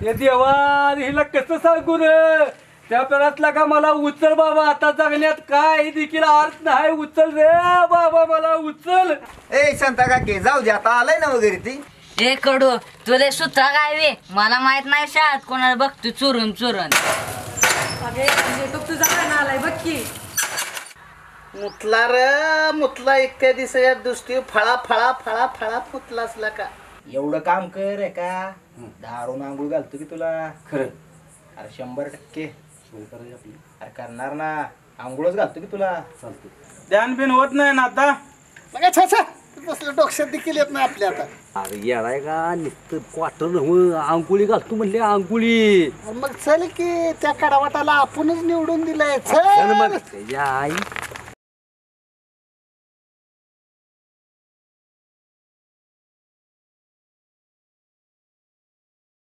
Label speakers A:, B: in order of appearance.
A: हे देवा हिला कसं सांगू रे त्या पेरातला का मला उचल बाबा आता जगण्यात काय देखील अर्थ नाही उचल रे बाबा मला उचल
B: ए शांता काकी जाऊ दे आता आलाय ना वगैरे ती
C: ए कडू तुले सुत्रा काय वे मला माहित नाही शाळेत कोणाला बघतो चुरून चुरून
D: तुझा गाणं आलाय बघ की
E: मुतला र मुतला इतक्या दिवसाच्या दृष्टी फळा फळा फळा फळा मुतला असला का
B: एवढं काम कर रे का दारून आंघोळ घालतो की तुला
A: खरं
B: अरे 100% अरे करणार ना आंघोळच घालतो की तुला
A: चालतो
F: ध्यान बिन होत नाही ना आता
E: बघा छाछा तसलं डोक्यात देखील येत नाही आपल्या आता
A: अरे येडाय का नुसतं क्वार्टर नव्हं आंघोळी घालतो म्हणले आंघोळी
E: मग चल की त्या कडावाटाला आपणच निवडून दिलंय
A: चल
E: चल
A: मग त्याच्या आई